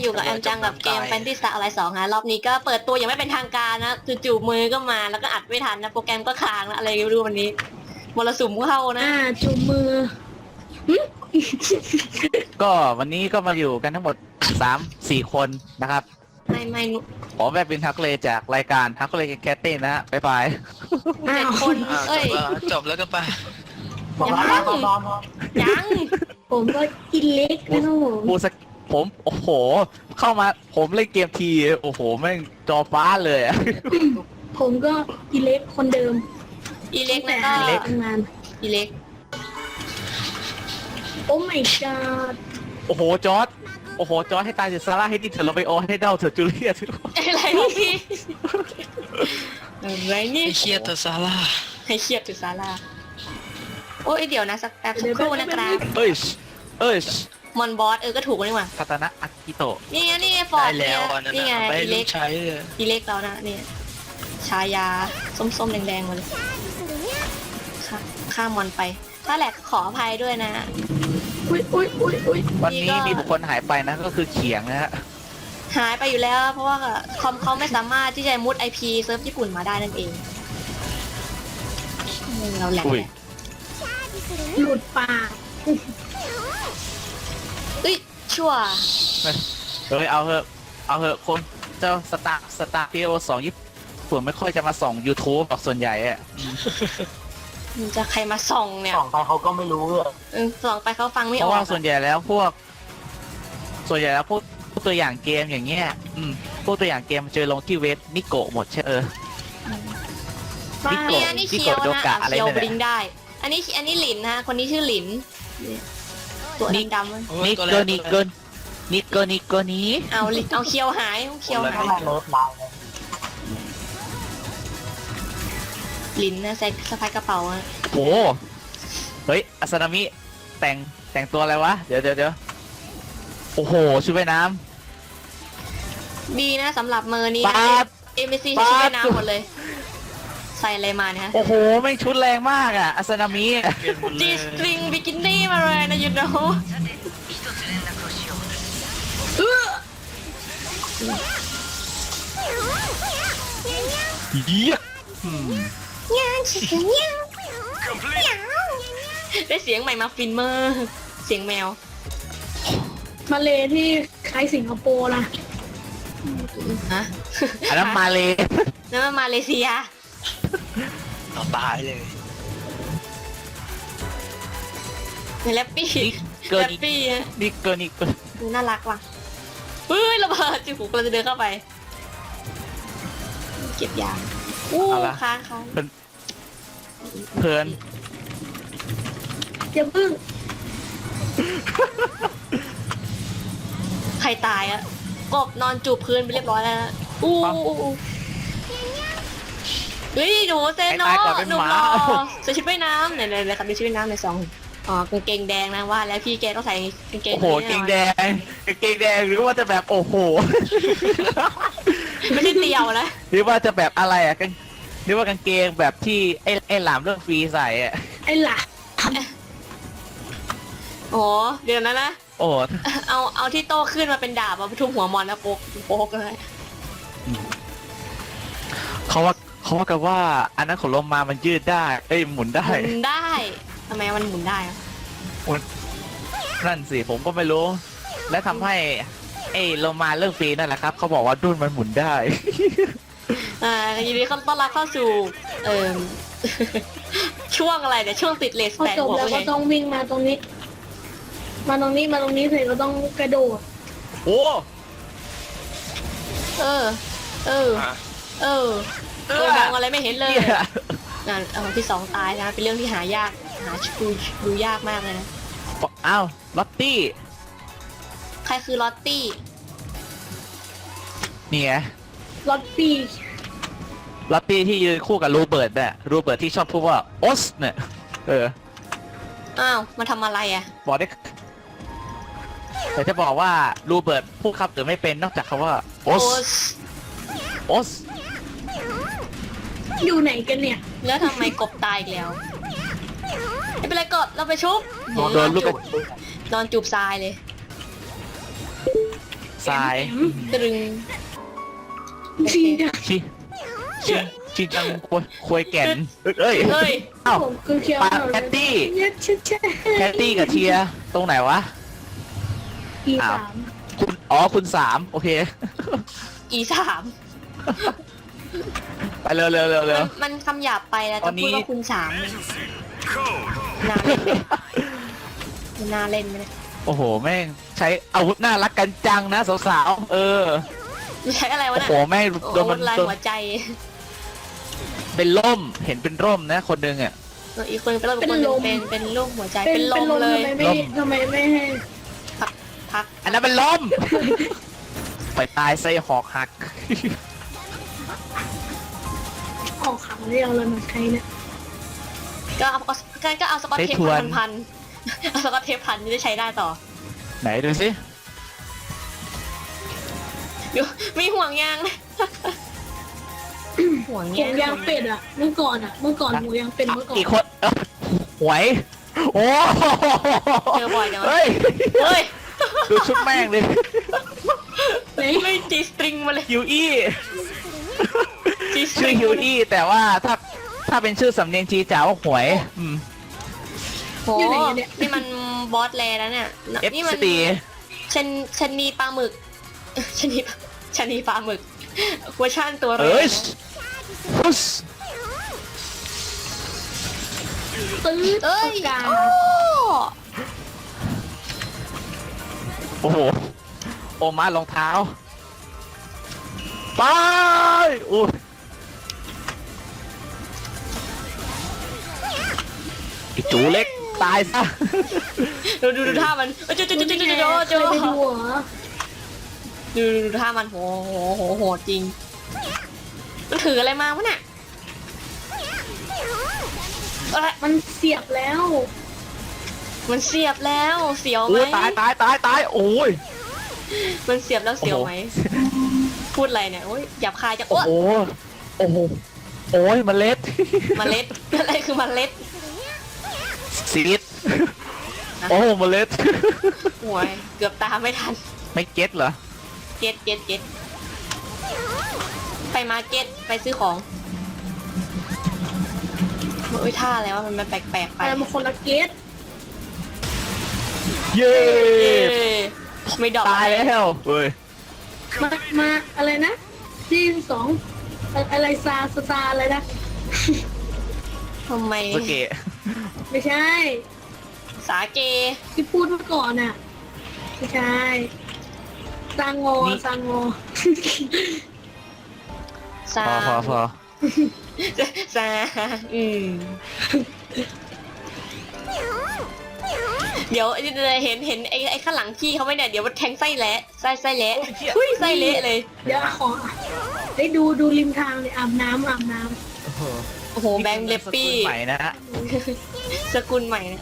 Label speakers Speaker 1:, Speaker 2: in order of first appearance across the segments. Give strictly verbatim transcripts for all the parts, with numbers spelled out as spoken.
Speaker 1: อยู่กับแอมจังกับเกมแฟนตี้สตาร์อะไรสองฮะรอบนี้ก็เปิดตัวยังไม่เป็นทางการนะจู่ๆมือก็มาแล้วก็อัดไม่ทันนะโปรแกรมก็ค้างนะอะไรไม่รู้วันนี้มรสุมเข้านะ
Speaker 2: อ่าจุ่มมือ
Speaker 3: ก็วันนี้ก็มาอยู่กันทั้งหมดสามสี่คนนะครับ
Speaker 1: ไม่ไม่นุ
Speaker 3: ขอแบบเป็นทักเลจากรายการทักเลแคทเต้นนะฮะบ๊ายบาย
Speaker 1: เจ็ดคน
Speaker 4: อ่าจ
Speaker 1: เอ้ย
Speaker 4: บแล้วจบแล้วก็ไป
Speaker 1: ยังยัง
Speaker 2: ผมก็กินเล็กนะครับผม
Speaker 3: พูดสักผมโอ้โห เข้ามาผมเล่นเกมทีโอ้โหแม่งจอฟ้าเลยอะ
Speaker 2: ผมก็กินเล็กคนเดิม
Speaker 1: อีเล็กนะก็
Speaker 2: ตั้งแต่ทำงาน
Speaker 1: อีเล็ก
Speaker 2: โอ้ my god
Speaker 3: โอ้โหจอร์ดโอ้โหจอร์ดให้ตายเถอะซาร่าให้ดิเถอะเราไปโอให้เด้าเถอะจูเลียเถอะ
Speaker 1: อะไรวะพี่อะไรนี่
Speaker 4: ไอ้เครียดตัวซาร่า
Speaker 1: ให้เครียดจุดซาร่าโอ้ยเดี๋ยวนะสักแป๊บสักครู่นะครับ
Speaker 3: เอ้ยเอ้ย
Speaker 1: มอนบอสเออก็ถูกนี่หว่า
Speaker 3: คาตานะอากิโตะ
Speaker 1: นี่ไงนี่ไงฟอ
Speaker 4: ได้
Speaker 1: ร์ด
Speaker 4: แล้วอันนั้น
Speaker 1: นี่ไง
Speaker 4: นะไป
Speaker 1: อี
Speaker 4: ลู
Speaker 1: เล็
Speaker 4: ก
Speaker 1: ก
Speaker 4: ใช้เลย
Speaker 1: อีเล็กแล้วนะเนี่ยชายาส้มๆแดงๆมาเลยค่ะข้ามมอนไป ถ้าแหลกขออภัยด้วยนะ
Speaker 2: อุ้ยอุ้ยอุ้ยอุ้ย
Speaker 3: วันนี้
Speaker 1: นี่ก็
Speaker 3: มีบุคคลหายไปนะก็คือเขียงนะฮะ
Speaker 1: หายไปอยู่แล้ว เพราะว่าคอมเขาไม่สามารถที่จะมุด ไอ พี เซิร์ฟญี่ปุ่นมาได้นั่นเองอืมเราแหลก
Speaker 3: อุ้ย
Speaker 2: หลุดปาก
Speaker 1: เอ้ยชั่ว
Speaker 3: เฮ้ยเอาเถอะเอาเถอะคนเจ้าสตาร์สตาร์พีโอสองญี่ปุ่นไม่ค่อยจะมาส่อง YouTube หรอกส่วนใหญ่อะ
Speaker 1: มันจะใครมาส่องเนี่ย
Speaker 5: ส่องไปเขาก็ไม่รู้เลย
Speaker 1: เออส่องไปเขาฟังไม่
Speaker 3: เพ
Speaker 1: อ
Speaker 3: ราะ
Speaker 1: อก
Speaker 3: ว่า
Speaker 1: อะ
Speaker 3: ส่วนใหญ่แล้วพวก ส่วนใหญ่แล้วพวกพวกตัวอย่างเกมอย่างเงี้ยอืมพวกตัวอย่างเกมเจอลงที่เว็บนิโกะหมดใช่เออ
Speaker 2: บ้า
Speaker 3: นิโกะ
Speaker 1: เนี่ยอันนี้เคียว
Speaker 3: นิโกะโด
Speaker 1: นะ
Speaker 3: กะ
Speaker 1: อ่ะ
Speaker 3: อะไร
Speaker 1: เคียว
Speaker 3: เนี่ย
Speaker 1: บลิงได้ อันนี้อันนี้หลินนะคนนี้ชื่อหลินเนี่ยตัวดำๆมัน
Speaker 4: โอ้ย
Speaker 3: นิ
Speaker 4: ตัว
Speaker 3: โก
Speaker 4: แร
Speaker 3: นิโกนิโกนิโกนี้
Speaker 1: เอาลิเอาเคียวหายเคียวหาย
Speaker 5: ไม่เลิฟไลน์เลย
Speaker 1: หลินนะใส่สะพายกระเป๋าอะ
Speaker 3: โอ้เฮ้ยอาซานามิแต่งแต่งตัวอะไรวะเดี๋ยวเดี๋ยวเดี๋ยวโอ้โหชุดว่ายน้
Speaker 1: ดีนะสำหรับเมอร์นี้
Speaker 3: ำปาด
Speaker 1: เอ็มบีซี
Speaker 3: ปาด
Speaker 1: ชุดว่ายน้ำหมดเลย ใส่อะไรมาเนี่ยฮะ
Speaker 3: โอ้โหไม่งชุดแรงมากอ่ะอาซานามิ
Speaker 4: เปลี่ยนหมดเล
Speaker 1: จี
Speaker 4: ย
Speaker 1: สตริงบิกินี่มาเลยนะยูโน
Speaker 3: เยี่ยอืม
Speaker 1: ได้เสียงใหม่มาฟินเมอร์เสียงแมว
Speaker 2: มาเลที่คล้ายสิงคโปร์นะ
Speaker 1: ฮะ
Speaker 3: อันนั้นมาเลย
Speaker 1: นั่นมันมาเลเซีย
Speaker 4: ต่อตายเลย
Speaker 1: แรปปี้
Speaker 3: นี่เกิน
Speaker 1: แรปปี้ฮะ
Speaker 3: นี่เกินนี่เกิน
Speaker 1: ดูน่ารักว่ะเฮ้ยระเบิดจิ๋วกำลังจะเดินเข้าไป เก็บยางอู้ค้างค้าง
Speaker 3: เพลิน
Speaker 2: อย่าพึ่ง
Speaker 1: ใครตายอะกบนอนจูบพื้นไปเรียบร้อยแล้วนะอู้อู้เฮ้ยหนูเซโนหนุ่มรอใส่ชุดว่ายน้ำไหนไหนไหนครับมีชุดว่ายน้ำในซองอ๋อกางเกงแดงนะว่าแล้วพี่แกต้องใส่กางเกง
Speaker 3: โอ้โหเกงแดงเกงแดงหรือว่าจะแบบโอ้โห
Speaker 1: ไม่ใช่เตียวนะ
Speaker 3: หรือว่าจะแบบอะไรอ่ะกันหรือว่ากางเกงแบบที่ไอ้ไอ้หลามเรื่องฟรีใส่อ่ะ
Speaker 2: ไอ้หล่ะ
Speaker 1: โอ้เดี๋ยวนะนะ
Speaker 3: โอ้
Speaker 1: เอาเอาที่โต้ขึ้นมาเป็นดาบเอาไปทุบหัวมอนนะโป๊กโป๊กเลย
Speaker 3: เขาว่าเขาว่ากันว่าอันนั้นของลมมามันยืดได้เอ้ยหมุนได้
Speaker 1: หมุนได้ทำไมมันหมุนได้อะ
Speaker 3: นั่นสิผมก็ไม่รู้ และทำให้ไอ้โลมาเรื่องฟรีนั่นแหละครับเขาบอกว่าดุนมันหมุนได้
Speaker 1: อ่ายินดีต้อนรับเข้าสู่เอ่อ ช่วงอะไรเนี่ยช่วงติดเลส
Speaker 2: พอ
Speaker 1: แปด
Speaker 2: จบ
Speaker 1: หัว
Speaker 2: แล้ว
Speaker 1: โอเค
Speaker 2: ก็ต้องวิ่งมาตรงนี้ มาตรงนี้มาตรงนี้เสร็จก็ต้องกระโดด
Speaker 3: โอ้
Speaker 1: เออ เออ
Speaker 4: อ่ะ
Speaker 1: เออตัวมองอะไรไม่เห็นเลย
Speaker 3: เนี่ย
Speaker 1: นั่นเอาที่สองตายนะเป็นเรื่องที่หายากหาดูดูยากมากเลยนะ
Speaker 3: อ้าวลอตตี้
Speaker 1: ใครคือลอตตี้
Speaker 3: นี่ไง
Speaker 2: รถปีก
Speaker 3: ลอตตี้ที่ยืนคู่กับโรเบิร์ตเนี่ยโรเบิร์ตที่ชอบพูดว่าโอสเนี่ยเออ
Speaker 1: อ้าวมาทำอะไรอ่ะ
Speaker 3: บอกได้แต่จะบอกว่าโรเบิร์ตพูดคำอื่นไม่เป็นนอกจากคำว่าโอ
Speaker 1: โอ้
Speaker 3: สโอส
Speaker 2: อยู่ไหนกันเนี่ย
Speaker 1: แล้วทำไมกบตายอีกแล้วไม่เป็นไรกบเราไปชุบ
Speaker 3: โดนลูกกระ
Speaker 1: นอนจูบทรายเลย
Speaker 3: สทราย
Speaker 1: ตรึง
Speaker 2: จริงจัง
Speaker 3: ชิชิชิจังควยควยแก่นเอ้ย
Speaker 1: เฮ้ย
Speaker 3: เอ้า
Speaker 2: ผมคือเคียว
Speaker 3: ปาแคตตี้
Speaker 2: เนี่ยใช่ใช่
Speaker 3: แคตตี้กับเทียตรงไหนวะ
Speaker 2: อี
Speaker 3: อ้าว
Speaker 2: สาม
Speaker 3: คุณอ๋อคุณสามโอเค
Speaker 1: อีสาม
Speaker 3: ไปเร็วเร็วเร็วเร็ว
Speaker 1: มันมันคำหยาบไปแล้ว
Speaker 3: ตอ
Speaker 1: จะ
Speaker 3: นนี้
Speaker 1: พูดว่าคุณสามเนี่ยน่าเล่นไหมมันน่าเล่นไหมเนี่ย
Speaker 3: โอ้โหแม่งใช้อาวุธน่ารักกันจังนะสาวๆเออ
Speaker 1: ใช้อะไรวะ
Speaker 3: โอ้
Speaker 1: น่ะ
Speaker 3: โหแม่งโดน
Speaker 1: โอ้
Speaker 3: มัน
Speaker 1: ลาย
Speaker 3: โดน
Speaker 1: หัวใจ
Speaker 3: เป็นร่มเห็นเป็นร่มนะคนหนึงอ่ะ
Speaker 1: อีกคนเป็นลมอีกคนหนึ่งเป็นเป็นลูกหัวใจ
Speaker 2: เป็น
Speaker 1: เป็นล
Speaker 2: เป็น
Speaker 1: ม
Speaker 2: ลม
Speaker 1: เลย
Speaker 2: ทำไมไม่
Speaker 3: ลม
Speaker 2: ทำไมไม่ให้
Speaker 1: พัก
Speaker 3: อันนั้นเป็นร่ม ไปตายไส้หอกหัก
Speaker 2: ออกขังเรียวเลยมาใช้เนี่ย
Speaker 1: ก็เอาก็ก็เอาสกอตเทปพันพันๆเอาสกอตเทปพันจะได้ใช้ได้ต่อ
Speaker 3: ไหนดูสิ
Speaker 1: อยู่มีห่วงยางนะห่วง
Speaker 2: หมู
Speaker 1: ยาง
Speaker 2: ยางเป็ดอ่ะเมื่อก่อนอ่ะเมื่อก่อนหมูยางเป็ดเมื่อก่อน
Speaker 3: กี่คนเอ้าหวย โอ้
Speaker 1: เจอบ่อยจังวะ
Speaker 3: เฮ้ย
Speaker 1: เฮ้ย
Speaker 3: ดูชุดแม่งเลย
Speaker 2: ไหน
Speaker 1: ไม่จีสตริงมาเลย
Speaker 3: ฮิวอี้
Speaker 1: จีสต
Speaker 3: ชื่
Speaker 1: ริ
Speaker 3: อง ฮิวอี้แต่ว่าถ้าถ้าเป็นชื่อสำเนียงจีจ๋าว่าหวยอืม
Speaker 1: โหนี่มันบอสแลแล้วเนี่ย
Speaker 3: เอฟ
Speaker 1: นี่มั
Speaker 3: ซี
Speaker 1: ชันชันนีปลาหมึกชันนีชันนีปลาหมึกเวอร์ชันตัวเร
Speaker 3: เอ้ย
Speaker 1: นะ
Speaker 3: พุส
Speaker 2: ตื้อ
Speaker 1: เอ้ย
Speaker 2: กา
Speaker 1: โอ้
Speaker 3: โอ้โหโอมารองเท้าไปอุ้ยไอ้จูเล็กตายซะ
Speaker 1: ดูดูดูท่ามันโอ้โจโจโจโจโจโจโจ
Speaker 2: เคยไปดูเหรอ
Speaker 1: ดูดูดูท่ามันโหโหโหโหจริงมันถืออะไรมาวะเนี่ยอะไร
Speaker 2: มันเสียบแล้ว
Speaker 1: มันเสียบแล้วเสียวไหม
Speaker 3: โอ้ยตายตายตายตายโอ้ย
Speaker 1: มันเสียบแล้วเสียวไหมพูดอะไรเนี่ยโอ้ยหยาบคายจัง
Speaker 3: โอ้
Speaker 1: โอ้
Speaker 3: โหโอ้โหโอ้ยเมล็ด
Speaker 1: เมล็ดอะไรคือเมล็ด
Speaker 3: ซีดโอ้เมล็ด
Speaker 1: โอ้ยเกือบตามไม่ทัน
Speaker 3: ไม่เก็ตเหรอ
Speaker 1: เก็ตเก็ตเก็ตไปมาร์เก็ตไปซื้อของโอ้ยท่าอะไรวะมันมันแปลกๆไป
Speaker 2: แต่มันคนละเกต
Speaker 3: เย้
Speaker 1: เย้ไม่ดอก
Speaker 3: ตายแล้วเฮ้ย
Speaker 2: มามาอะไรนะซีนสองอะไรซาซาซาอะไรนะ
Speaker 1: ทำไม
Speaker 3: สเกะ
Speaker 2: ไม่ใช่
Speaker 1: สาเก
Speaker 2: ที่พูดเมื่อก่อนน่ะไม่ใช่ซางโงซางโง
Speaker 1: ซา
Speaker 3: พอพอพอ
Speaker 1: ซาอืมเดี๋ยวเห็นเห็นไอ้ไอ้ข้างหลังพี่เขาไหมเนี่ยเดี๋ยวมันแทงไส้แหละไส้ไส้แหละอุ้ยไส้เละเลย
Speaker 2: เดี๋ยวขอได้ดูดูริมทางเลยอาบน้ำอาบน้
Speaker 3: โอ้โห
Speaker 1: โอ้โหแบงค์เลปปี้
Speaker 3: สกุลใหม่นะฮะ
Speaker 1: สกุลใหม่เนี่ย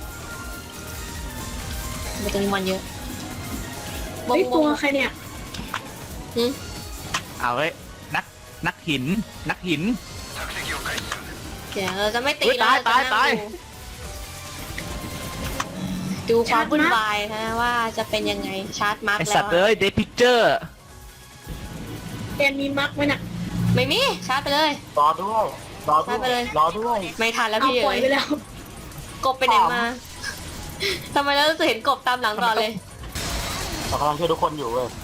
Speaker 1: มันจะมีมันเยอะ
Speaker 2: ำไอ้ยตัวใครเนี่ย
Speaker 1: หึ
Speaker 3: เอาไว้นักนักหิน นักหิน
Speaker 1: เดี๋ยวเราจะไม่ตี
Speaker 3: อุ๊ย
Speaker 1: แล้ว
Speaker 3: ตาย
Speaker 1: เราจะ
Speaker 3: ตาย
Speaker 1: นั่งดูดูความวุ่นวายนะว่าจะเป็นยังไงชาร์จมาร์ก
Speaker 3: ไอ
Speaker 1: แล้
Speaker 3: สั
Speaker 1: ว
Speaker 3: ตว์เลยเดพิเจอร์
Speaker 2: แกมีมักไหมน่ะ
Speaker 1: ไม่มีชาร์จไปเลย
Speaker 5: รอด้วยรอด้
Speaker 1: ชาร์จไป
Speaker 5: วย
Speaker 1: เลย
Speaker 5: รอด้วย
Speaker 1: ไม่ทันแล้ว
Speaker 2: เอา
Speaker 1: พี่
Speaker 2: ปล่อย
Speaker 1: เอ๋ย
Speaker 2: ไปแล้ว
Speaker 1: กบไปไหนมาทำไมเราจะเห็นกบตามหลังก่อนเลย
Speaker 5: เรากำลังช่วยทุกคนอยู่เว้ย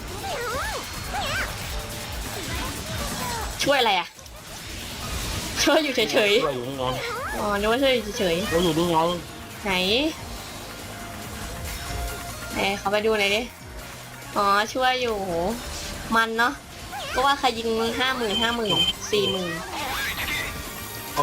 Speaker 1: ช่วยอะไรอ่ะ ช่วยอยู่เฉย
Speaker 5: ช่วยอยู่นี่ไง
Speaker 1: ๆอ๋อนึกว่าช่วยอยู่เฉย
Speaker 5: ช่วยอยู่นี่ไง
Speaker 1: ๆไหนไหนเขาไปดูหน่อยดิอ๋อช่วยอยู่โหมันเนาะก็ว่าใครยิงห้าหมื่นห้าหมื่นสี่หมื่น
Speaker 5: โอ้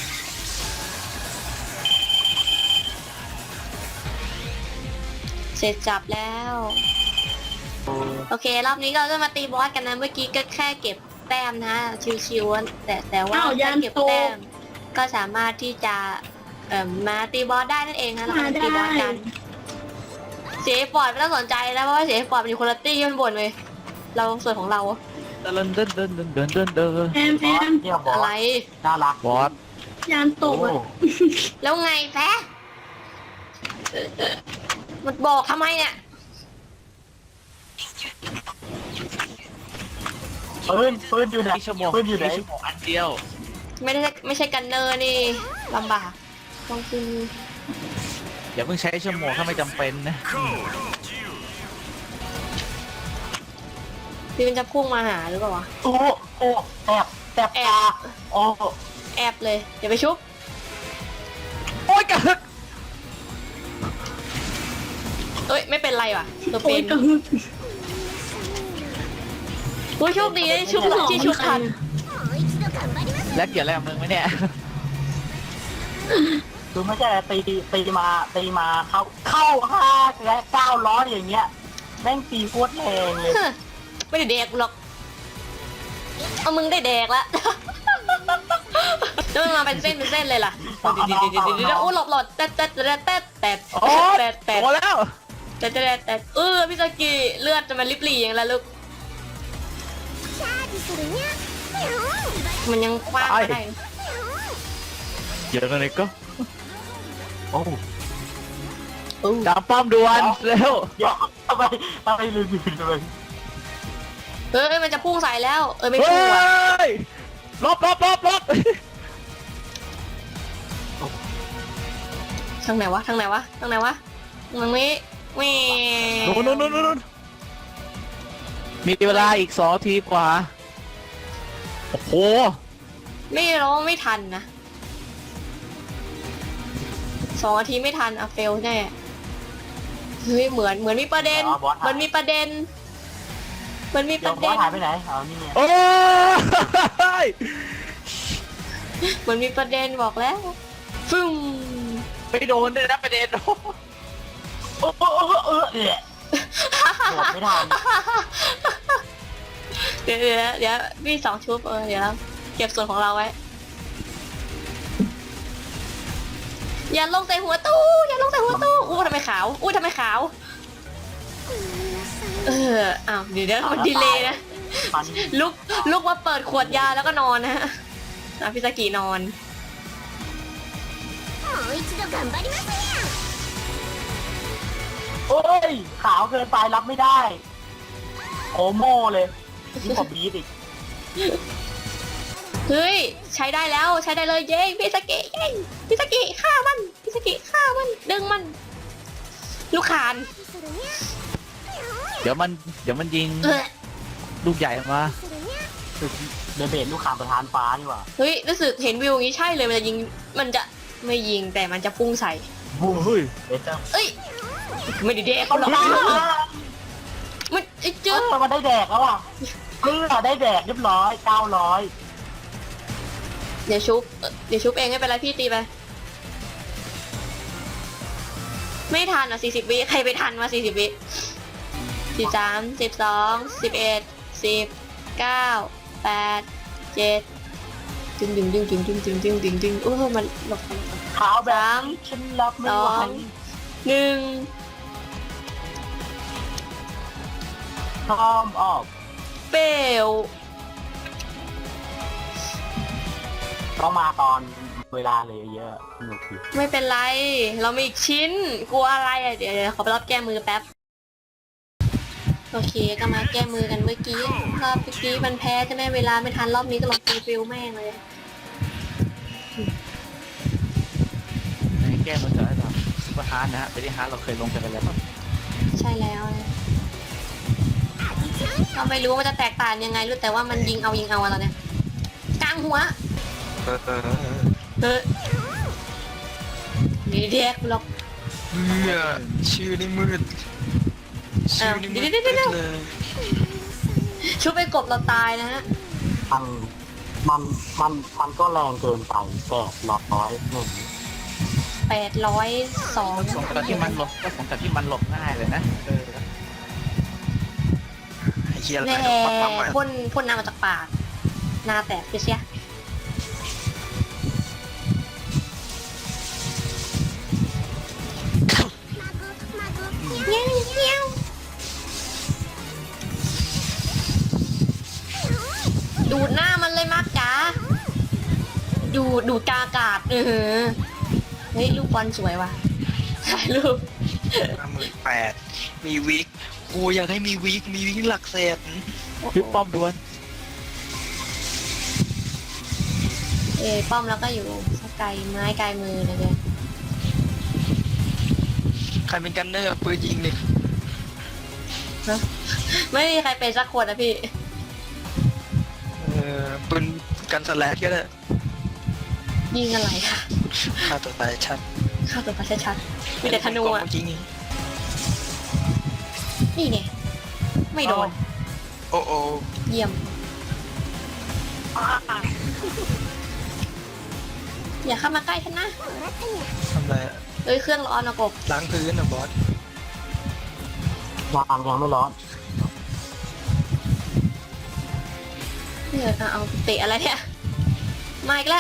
Speaker 1: เสร็จจับแล้ว โอเค รอบนี้เราจะมาตีบอสกันนะเมื่อกี้ก็แค่เก็บแต้มนะชิวๆแต่แต่ว่า
Speaker 2: อ้าวยั
Speaker 1: ถ้าน เก็บ
Speaker 2: โต
Speaker 1: แต้มก็สามารถที่จะเอ่อมาตีบอสได้นั่นเองนะเราก็
Speaker 2: มา
Speaker 1: จะตีบอส
Speaker 2: ได้
Speaker 1: กันเสียฟอร์ดไม่ต้องสนใจแล้วเพราะว่าเสียฟอร์ดเป็นคนละตี้ที่มันบ่นเลยเราส่วนของเรา
Speaker 3: เดินเดินเดินเดินเดินเดินเดิน
Speaker 2: แอมแอม
Speaker 5: เนี่ยบอ
Speaker 1: อะ
Speaker 5: ส
Speaker 1: ไร
Speaker 5: น่ารัก
Speaker 3: บอส
Speaker 2: ยานต
Speaker 5: โอ้
Speaker 2: กอ่ะ
Speaker 1: แล้วไงแฟะมันบอกทำไมเนี่ย
Speaker 5: ปืนปืนอยู่ไหน
Speaker 3: ที่ชั่วโมง
Speaker 5: ปืนอยู่ไหน
Speaker 3: ที่ชั่วโมงอันเดียว
Speaker 1: ไม่ได้ไม่ใช่กันเนอร์นี่ลำบากต้องกิน
Speaker 3: อย่าเพิ่งใช้ชั่วโมงถ้าไม่จำเป็นนะ
Speaker 1: พี่มันจะพุ่งมาหาหรือเปล่าวะ
Speaker 5: โอ้โอ้แอบแอบ
Speaker 1: แอ
Speaker 5: ตา
Speaker 1: บ
Speaker 5: โอ้
Speaker 1: แอบเลยอย่าไปชุบ
Speaker 3: โอ้ยกระหึก
Speaker 1: เอ้ยไม่เป็นไรว่ะตัว
Speaker 2: โอ้
Speaker 1: เป็
Speaker 2: ย
Speaker 1: น
Speaker 2: กระหึ่ม
Speaker 1: โอ้ยโชคดีที่ชุบที่ชุบทัน
Speaker 3: แล้วเกี่ยวอะไรกับมึงไหมเนี่ย
Speaker 5: คือไม่ใช่ตีตีมาตีมาเข้าเข้าห้าและเก้าร้อยอย่างเงี้ยแม่งตีโคตรแรงเลย
Speaker 1: ฮะไม่ได้แดกกูหรอกเอามึงได้แดกละ แล้วมันมาเป็นเส้นเป็นเส้นเลยล่ะเดี๋ยวเดี๋ยวเดี๋ยวเดี๋ยวเดี๋ยวโอ้หลบหลบแตะแตะแตะแตะแตะ
Speaker 3: โอ้ย
Speaker 1: แตะแตะ
Speaker 3: โตแล้ว
Speaker 1: แตะแตะแตะเออพี่สกีเลือดจะมาลิบหลีอย่างไรลูกมันยังคว้างไม่ได้
Speaker 3: เยอะกันเลยก็
Speaker 5: โอ้
Speaker 3: ดามป้อมด่วนเร็ว
Speaker 5: เดี๋ยวทำไมทำไมลืมลืมเลย
Speaker 1: เออมันจะพุ่งใส่แล้วเออไม่
Speaker 3: เฮ้
Speaker 1: พุ่งอ่ะ
Speaker 3: ยลบลบลบลบ
Speaker 1: ทางไหนวะทางไหนวะทางไหนวะทางนี้แหม่
Speaker 3: นู่นนู่นนู่นนู่นมีเวลาอีกสองนาทีกว่า โอ้โห
Speaker 1: ไม่ร้องไม่ทันนะสองนาทีไม่ทันอะเฟลแน่เฮ้ยเหมือนเหมือนมีประเด็นเหมือนมีประเด็นเหมือนมีป
Speaker 5: เดี๋ยว
Speaker 1: ระ
Speaker 5: บอ
Speaker 1: เด็
Speaker 5: ส
Speaker 1: น
Speaker 5: หายไปไหนเอานี่ไง
Speaker 3: โอ้ย
Speaker 1: เหมือนมีประเด็นบอกแล้วฟึ่ง
Speaker 3: ไม่โดนเลยนะประเด็น
Speaker 5: โอ้โอ้โอ้เออเอะโดดไม่ทัน
Speaker 1: เดี๋ยวเดี๋ยวเดี๋ยวมีสองชุบเออเดี๋ยวเก็บส่วนของเราไว้ อย่าลงใส่หัวตู้อย่าลงใส่หัวตู้อู้ทำไมขาวอู้ทำไมขาวเอออ้าวเดี๋ยวเดี๋ยวมันดีเลยนะ
Speaker 5: ฟัน
Speaker 1: ลุกลุกมาเปิดขวดยาแล้วก็นอนนะฮะอ่ะพิซากินอน
Speaker 5: โอ้ยขาวเกินไปรับไม่ได้โอโม่เลยนี่ผมบีดอีก
Speaker 1: เฮ้ยใช้ได้แล้วใช้ได้เลยเย้พิซากิเย้พิซากิฆ่ามันพิซากิฆ่ามันดึงมัน ลูกคาน
Speaker 3: เดี๋ยวมันเดี๋ยวมันยิง
Speaker 1: เออ
Speaker 3: ลูกใหญ่มา
Speaker 5: เดเบตลูกขามประธานฟ้านี่หว่า
Speaker 1: เฮ้ยรู้สึกเห็นวิวอย่างนี้ใช่เลยมันจะยิงมันจะไม่ยิงแต่มันจะพุ่งใส่
Speaker 5: บูม
Speaker 3: เฮ้ย
Speaker 5: เบเตอร์
Speaker 1: เอ้ยไม่ได้เด็ก
Speaker 5: เขา
Speaker 1: หรอก
Speaker 5: ได้
Speaker 1: มันไอ้
Speaker 5: เอ
Speaker 1: จื้อ
Speaker 5: อมันได้แดกแล้วอ่ะเออได้แดกเรียบร้อยเก้าร้อย
Speaker 1: เดี๋ยวชุบเอ่อเดี๋ยวชุบเองไม่เป็นไรพี่ตีไป ไม่ทันอ่ะสี่สิบวิใครไปทันมาสี่สิบวิสิบสามสิบสองสิบเอ็ดสิบเก้าแปดเจ็ดดึงดึงดึงดึงดึงดึงดึงดึงดึงโอ้โหมันหลบกัน
Speaker 5: ขาวแบบนี้ฉันรับไม่ไหว
Speaker 1: สอง หนึ่ง
Speaker 5: พร้อมออก
Speaker 1: เปลว
Speaker 5: ต้องมาตอนเวลาเลยเยอะสนุกดี
Speaker 1: ไม่เป็นไร เรามีอีกชิ้น กลัวอะไรอ่ะ เดี๋ยวเดี๋ยวขอไปรับแก้มือแป๊บ โอเคก็มาแก้มือกันเมื่อกี้ รอบเมื่อกี้มันแพ้ใช่ไหมเวลาไม่ทันรอบนี้ก็ลองตีฟิลแม่งเลย
Speaker 3: แก้มันเถอะไอ้เราซุปเปอร์ฮาร์ดนะฮะไปที่ฮาร์ดเราเคยลงกันไปแล้ว
Speaker 1: ใช่แล้วนะเราไม่รู้ว่ามันจะแตกต่างยังไงรู้แต่ว่ามันยิงเอายิงเอาอะไรเนี่ยกลางหัว
Speaker 4: เออเออ
Speaker 1: เฮ้ยนี่เด็กหรอก
Speaker 4: เนี่ยชื่อนี่มืดชื่อนี่มืด
Speaker 1: เดี๋ยวเดี๋ยวเดี๋ยว
Speaker 4: เลย
Speaker 1: ชุบไปกบเราตายนะฮะ
Speaker 5: มันมันมันมันก็แรงเกินไปแปดร้อยหนึ่ง
Speaker 1: แปดร้อยสอง
Speaker 3: สงกับที่มันหลบก็สงกับที่มันหลบง่ายเลยนะเออ
Speaker 4: ไอ้เหี้ยอะไร
Speaker 1: แน่
Speaker 4: ปักปักมา
Speaker 1: พ่นพ่นน้ำมาจากปากหน้าแตกเสียเงี้ยวเงี้ยวดูดหน้ามันเลยมากจ๋าดูดูดกาอากาศเออเฮ้ยลูกบอลสวยว่ะถ่ายรูป
Speaker 4: ห้าหมื่นแปดมีวิกกูอยากให้มีวิกมีวิกหลักแสน
Speaker 3: พี่ป้อมด่วน
Speaker 1: เอยป้อมแล้วก็อยู่สักไกลไม้ไกลมือเลยเนี่ย
Speaker 4: ใครเป็นกันเนอร์ปืนยิงดิ
Speaker 1: ไม่มีใครเป็นสักคนนะพี่
Speaker 4: เออปืนกันสแลดก็ได้
Speaker 1: ยิงอะไรค่ะ
Speaker 4: ฆ่าตัวตายชัด
Speaker 1: เข้าตัวประชัดๆมีแต่ธนูอ่ะ
Speaker 4: เมื่อกี้นี้
Speaker 1: นี่ไงไม่โดน
Speaker 4: โอ้โอ้
Speaker 1: เยี่ยม อย่าเข้ามาใกล้ฉันนะ
Speaker 4: ทำไรอะ
Speaker 1: เอ้ยเครื่องร้อนนะกบ
Speaker 4: ล้างพื้นนะบอส
Speaker 5: ยางยังไม่ร้อน
Speaker 1: เนี่ยเอาเอาเตะอะไรเนี่ยมาอีกแล้ว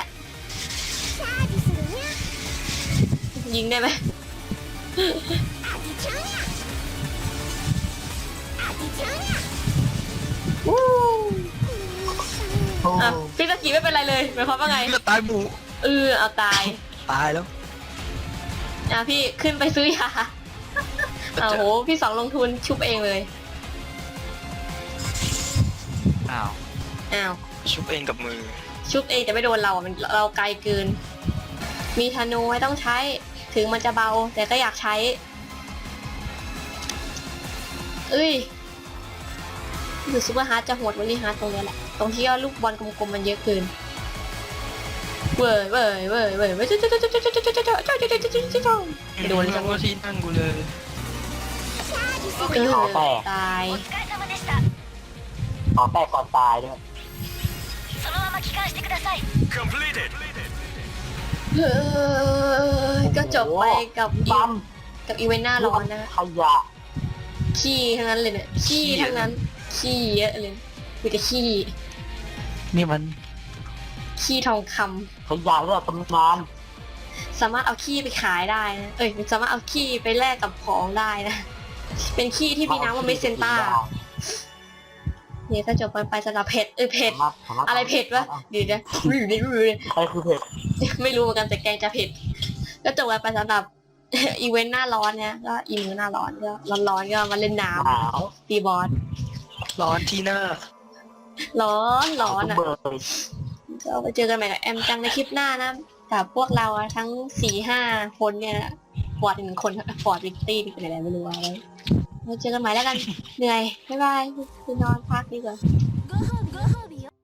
Speaker 1: ยิงได้ไหมวู้
Speaker 5: โอ้
Speaker 1: อ่ะพี่ตะกี้ไม่เป็นไรเลยหมายความว่าไง
Speaker 4: เลือดตายหมู
Speaker 1: เออเอาตาย
Speaker 4: ตายแล้ว
Speaker 1: อ่ะพี่ขึ้นไปซื้อยาอ้าวโหพี่สองลงทุนชุบเองเลย
Speaker 3: อ้าว
Speaker 1: อ้าว
Speaker 4: ชุบเองกับมือ
Speaker 1: ชุบเองแต่ไม่โดนเราอ่ะมันเราไกลเกิน มีธนูไม่ต้องใช้ ถึงมันจะเบา แต่ก็อยากใช้ เอ้ยอยู่ซูเปอร์ฮาร์ดจะโหดวันนี้ฮาร์ดตรงเนี้ยแหละ ตรงที่ว่าลูกบอลกลมๆมันเยอะเกินเว้ยเว้ยเว้ยเว้ยเว้ยไม่โดนเลยจัง
Speaker 4: ว่าที่นั่งกูเลย
Speaker 1: เออตาย
Speaker 5: ขอแตกก่อนตายด้วย
Speaker 1: เฮ้ยก็จบไปกับอี
Speaker 5: ปั๊ม
Speaker 1: กับอีเวนต์หน้าร้อนนะ
Speaker 5: ขยะ
Speaker 1: ขี้ทั้งนั้นเลยเนี่ยขี้ทั้งนั้นขี้เยอะเลยมีแต่ขี้
Speaker 3: นี่มัน
Speaker 1: ขี้ทองคำ
Speaker 5: ขยะเรื่องตำนาน
Speaker 1: สามารถเอาขี้ไปขายได้นะเอ้ยสามารถเอาขี้ไปแลกกับของได้นะ เป็นขี้ที่มีน้ำว่าเมสเซนต้าเนี่ยก็จบกันไปสำหรับเผ็ดเอ้ยเผ็ด
Speaker 5: สามารถสามารถ
Speaker 1: อะไรเผ็ดวะเดี๋ยวนะอยู่ในรู
Speaker 5: อะไรคือเผ็ด
Speaker 1: ไม่รู้เหมือนกันแต่แกงจะเผ็ด ก็จบกันไปสำหรับ อีเวนต์หน้าร้อนเนี่ยก็อีมือหน้าร้อนก็ร้อนๆก็มาเล่นน้
Speaker 5: หนาว
Speaker 1: ำตีบอส
Speaker 4: ร้อนที่หน้า
Speaker 1: ร้อนร้อน
Speaker 5: ทุก
Speaker 1: อ่ะ
Speaker 5: เบอร์เลย
Speaker 1: ก็ไปเจอกันใหม่กับแอมจังในคลิปหน้านะกับพวกเราอะทั้งสี่ห้าคนเนี่ยฟอร์ดหนึ่งคนฟอร์ดวิกตี้เป็นอะไรไม่รู้อะไรไว้เจอกันใหม่แล้วกัน เหนื่อย บ๊ายบายไปนอนพักดีกว่า
Speaker 6: ご褒美ご褒美よ